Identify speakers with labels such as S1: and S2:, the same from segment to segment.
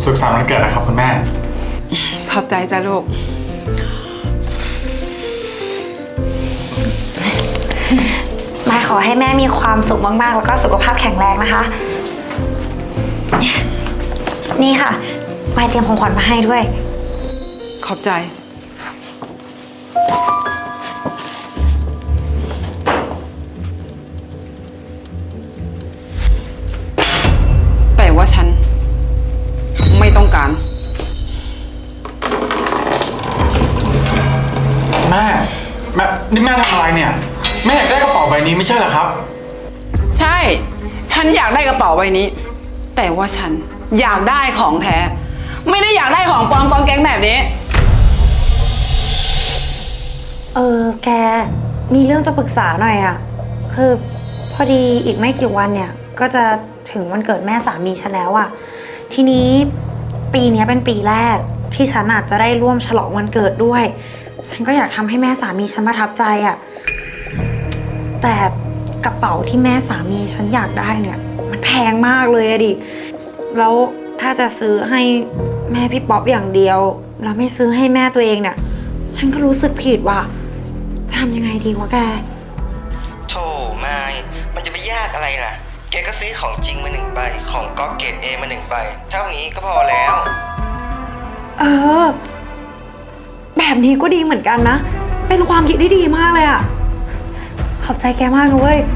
S1: สุขสันต์วันเกิดนะครับคุณแม่
S2: ขอบใจจ้ะลูก
S3: มายขอให้แม่มีความสุขมากๆแล้วก็สุขภาพแข็งแรงนะคะนี่ค่ะมายเตรียมของขวัญมาให้ด้วย
S2: ขอบใจแต่ว่าฉันไม่ต้องการ
S1: แม่นี่แม่ทำอะไรเนี่ยแม่อยากได้กระเป๋าใบนี้ไม่ใช่เหรอครับ
S2: ใช่ฉันอยากได้กระเป๋าใบนี้แต่ว่าฉันอยากได้ของแท้ไม่ได้อยากได้ของปลอมกองแก๊งแบบนี้
S3: แกมีเรื่องจะปรึกษาหน่อยอะคือพอดีอีกไม่กี่วันเนี่ยก็จะถึงวันเกิดแม่สามีฉันแล้วอะทีนี้ปีนี้เป็นปีแรกที่ฉันอาจจะได้ร่วมฉลองวันเกิดด้วยฉันก็อยากทำให้แม่สามีฉันประทับใจอะแต่กระเป๋าที่แม่สามีฉันอยากได้เนี่ยมันแพงมากเลยอะดิแล้วถ้าจะซื้อให้แม่พี่ป๊อปอย่างเดียวแล้วไม่ซื้อให้แม่ตัวเองเนี่ยฉันก็รู้สึกผิดว่ะจะทำยังไงดีวะแก
S4: โธ่ไม่มันจะไปยากอะไรล่ะแกก็ซื้อของจริงมา1 ใบของก๊อฟเกรด A มา1 ใบเท่านี้ก็พอแล้ว
S3: แบบนี้ก็ดีเหมือนกันนะเป็นความคิดที่ดีมากเลยอะขอบใจแกมากนะเว้ย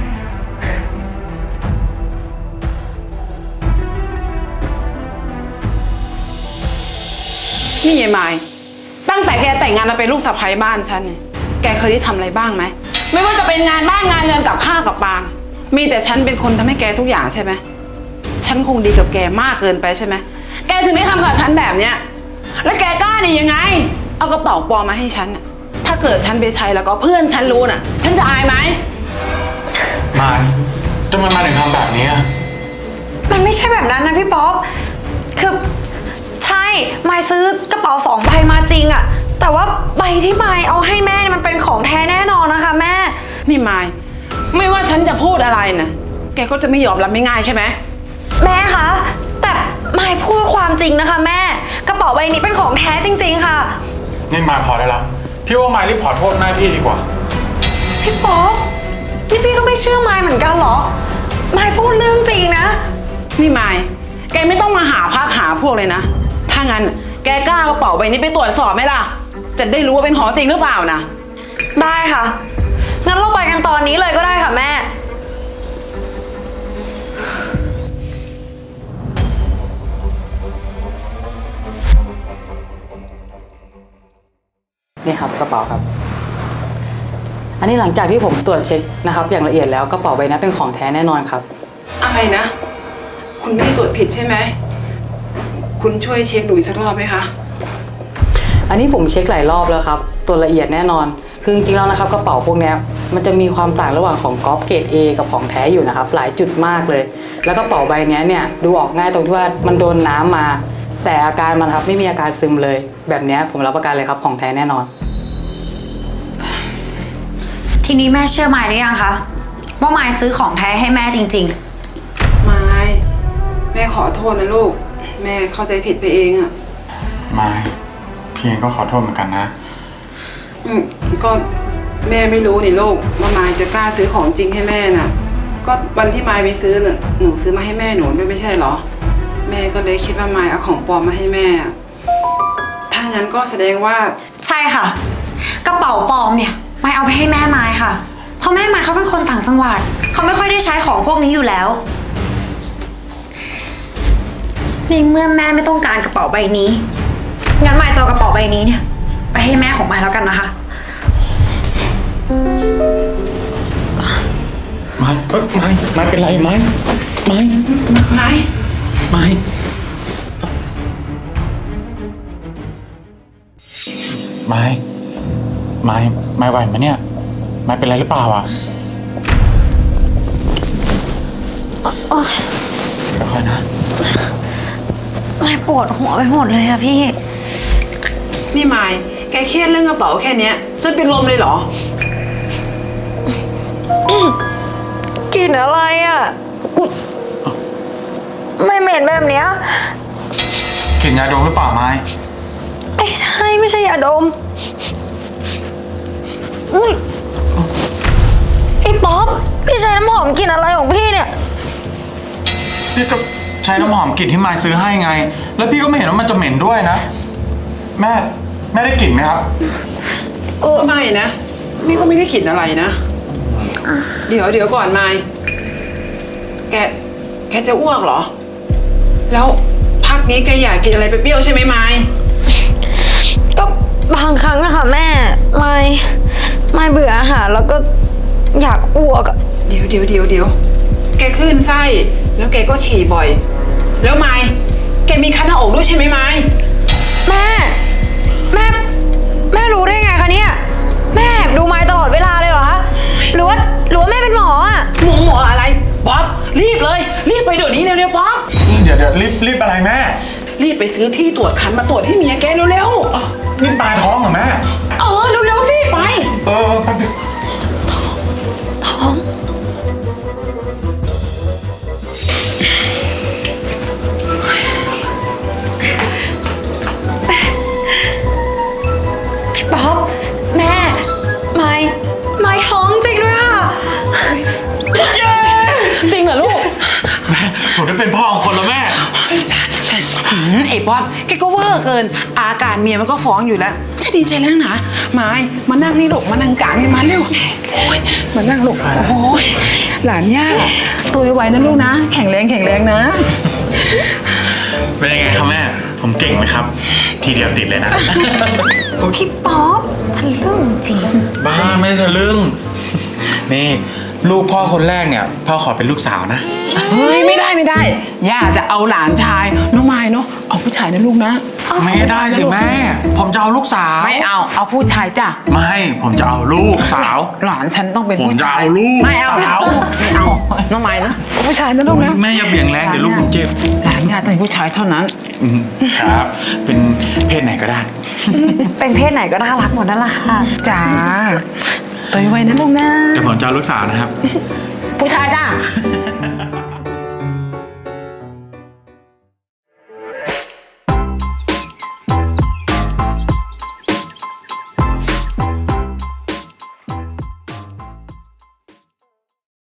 S2: นี่ยายไม้ตั้งแต่แกแต่งงานมาเป็นลูกสะใภ้บ้านฉันเนี่ยแกเคยได้ทำอะไรบ้างไหมไม่ว่าจะเป็นงานบ้านงานเรือนกับข้าวกับปลามีแต่ฉันเป็นคนทำให้แกทุกอย่างใช่ไหมฉันคงดีกับแกมากเกินไปใช่ไหมแกถึงได้ทำกับฉันแบบเนี้ยแล้วแกกล้านี่ยังไงเอากระเป๋าปลอมมาให้ฉันถ้าเกิดฉันไปใช้แล้วก็เพื่อนฉันรู้น่ะฉันจะอายไหม
S1: มาทำไมมาถึงทำแบบนี้
S3: มันไม่ใช่แบบนั้นนะพี่ป๊อปคือใช่มายซื้อกระเป๋า2 ใบมาจริงอะแต่ว่าใบที่มายเอาให้แม่เนี่ยมันเป็นของแท้แน่นอนนะคะแม่
S2: นี่มายไม่ว่าฉันจะพูดอะไรนะแกก็จะไม่ยอมรับไม่ง่ายใช่ไหม
S3: แม่คะแต่มายพูดความจริงนะคะแม่กระเป๋าใบนี้เป็นของแท้จริงๆค่ะ
S1: นี่มายพอได้แล้วพี่ว่ามายรีบขอโทษแม่พี่ดีกว่า
S3: พี่ป๊อปนี่พี่ก็ไม่เชื่อมายเหมือนกันเหรอมายพูดเรื่องจริงนะ
S2: นี่มายแกไม่ต้องมาหาพักหาพวกเลยนะถ้างั้นแกกล้ากระเป๋าใบนี้ไปตรวจสอบไหมล่ะจะได้รู้ว่าเป็นของจริงหรือเปล่านะ
S3: ได้ค่ะงั้นเราไปกันตอนนี้เลยก็ได้ค่ะแม่
S5: นี่ครับกระเป๋าครับอันนี้หลังจากที่ผมตรวจเช็คนะครับอย่างละเอียดแล้วกระเป๋าใบนี้เป็นของแท้แน่นอนครับ
S2: อะไรนะคุณไม่ได้ตรวจผิดใช่ไหมคุณช่วยเช็คดูอีกสักรอบไหมคะ
S5: อันนี้ผมเช็คหลายรอบแล้วครับตัวละเอียดแน่นอนคือจริงๆแล้วนะครับกระเป๋าพวกนี้มันจะมีความต่างระหว่างของก๊อฟเกรด A กับของแท้อยู่นะครับหลายจุดมากเลยแล้วกระเป๋าใบนี้เนี่ยดูออกง่ายตรงที่ว่ามันโดนน้ำมาแต่อาการมันครับไม่มีอาการซึมเลยแบบนี้ผมรับประกันเลยครับของแท้แน่นอน
S3: ทีนี้แม่เชื่อมายหรือยังคะว่ามายซื้อของแท้ให้แม่จริง
S2: ๆมายแม่ขอโทษนะลูกแม่เข้าใจผิดไปเองอะ
S1: มายพี่เองก็ขอโทษเหมือนกันนะ
S2: ก็แม่ไม่รู้นี่ลูกว่ามายจะกล้าซื้อของจริงให้แม่น่ะก็วันที่มายไปซื้อน่ะหนูซื้อมาให้แม่หนูไม่ใช่เหรอแม่ก็เลยคิดว่ามายเอาของปลอมมาให้แม่ถ้างั้นก็แสดงว่า
S3: ใช่ค่ะกระเป๋าปลอมเนี่ยมายเอาไปให้แม่มายค่ะเพราะแม่มายเขาเป็นคนต่างจังหวัดเขาไม่ค่อยได้ใช้ของพวกนี้อยู่แล้วในเมื่อแม่ไม่ต้องการกระเป๋าใบนี้งั้นมายจะเอากระเป๋าใบนี้เนี่ยไปให้แม่ของมายแล้วกันนะคะ
S1: ไม่เป็นไรไม่ไหวไหมเนี่ยไม่เป็นไรหรือเปล่าอ่ะค่อยๆนะ
S3: ไม่ปวดหัวไปหมดเลยอะพี่
S2: นี่มายแกเครียดเรื่องกระเป๋าแค่นี้จนเป็นลมเลยเหรอ
S3: กลิ่นอะไรอะไม่เหม็นแบบเนี้ย
S1: กลิ่นลิ่นยาดมหรือเปล่าไม้
S3: ไม่ใช่ยาดมอุ๊ยไอ้ป๊อปพี่ใช้น้ำหอมกลิ่นอะไรของพี่เนี่ย
S1: พี่ก็ใช้น้ำหอมกลิ่นที่ไม้ซื้อให้ไง แล้วพี่ก็ไม่เห็นว่ามันจะเหม็นด้วยนะ แม่ได้กลิ่นไหมครับ
S2: ไม่นะนี่ก็ไม่ได้กลิ่นอะไรนะ เดี๋ยวก่อนไมค์แกจะอ้วกเหรอ แล้วพักนี้แกอยากกินอะไรเปรี้ยวๆใช่ไหมไมค์
S3: ก็บางครั้งอะค่ะแม่ไม่เบื่ออาหารแล้วก็อยากอ้วกอะ
S2: เดี๋ยวแกคลื่นไส้แล้วแกก็ฉี่บ่อย แล้วไมค์แกมีคันหน้าอกด้วยใช่ไหมไมค์
S3: แม่รู้ได้ไงคะเนี่ยแม่แอบดูไม้ตลอดเวลาเลยเหรอคะหรือว่าแม่เป็นหมออะ
S2: หมออะไรป๊อปรีบเลยรีบไปเดี๋ยวนี้เร็วๆป๊อป
S1: เดี๋ยวรีบอะไรแม่
S2: รีบไปซื้อที่ตรวจคันมาตรวจที่เมียแกเร็ว
S1: นี่ปลาท้องเหรอแม่
S2: ๆเร็วๆสิไป
S1: แป๊บเดียว
S3: ท้องพี่ป๊อปแม่ไม่ท้องจริงด้วยค่ะ
S2: จริงเหรอลูก
S1: แม่ผมได้เป็นพ่อของคนแล้วแม่
S2: ใช่ไอ้ป๊อปแกก็เวอร์เกิน อาการเมียมันก็ฟ้องอยู่แล้วจะดีใจแล้วนะไม้มานั่งนี่ลูกมานั่งกลางนี่มาเร็วโอ้ยมานั่งลูกโอ้ยหลานย่าตัวไวๆนะลูกนะ แข็งแรงนะ
S1: เป็นยังไงครับแม่ ผมเก่งไหมครับ ทีเดียวติดเลยนะ
S3: พี่ป๊อปทะลึ่งจริง
S1: บ้าไม่ได้ทะลึ่ง นี่ลูกพ่อคนแรกเนี่ย พ่อขอเป็นลูกสาวนะ
S2: เฮ้ยไม่ได้ย่าจะเอาหลานชายน้องไม้เนาะเอาผู้ชายนะลูกนะ
S1: ไม่ได้สิแม่ ผมจะเอาลูกสาว
S2: ไม่เอาผู้ชายจ้ะ
S1: ไม่ ผมจะเอาลูกสาว
S2: หลานฉันต้องเป็น
S1: ผม
S2: ผู้
S1: จะ
S2: ชาย
S1: เอาลูก
S2: ไม่เอา
S1: สาว
S2: น้องไม้นะเอาผู้ชายนะลูกนะ
S1: แม่อย่าเบี่ยงแรงเดี๋ยวลูกผมเจ็บ
S2: หลานย่าต้องเป็นผู้ชายเท่านั้น
S1: ครับ เป็นเพศไหนก็ได้
S3: เป็นเพศไหนก็น่ารักหมดนั่นแหละค่ะ
S2: จ้าตัวไวนะลูกนะ
S1: เดี๋ยวผมจะเอาลูกสาวนะครับ
S2: ผู้ชายจ้า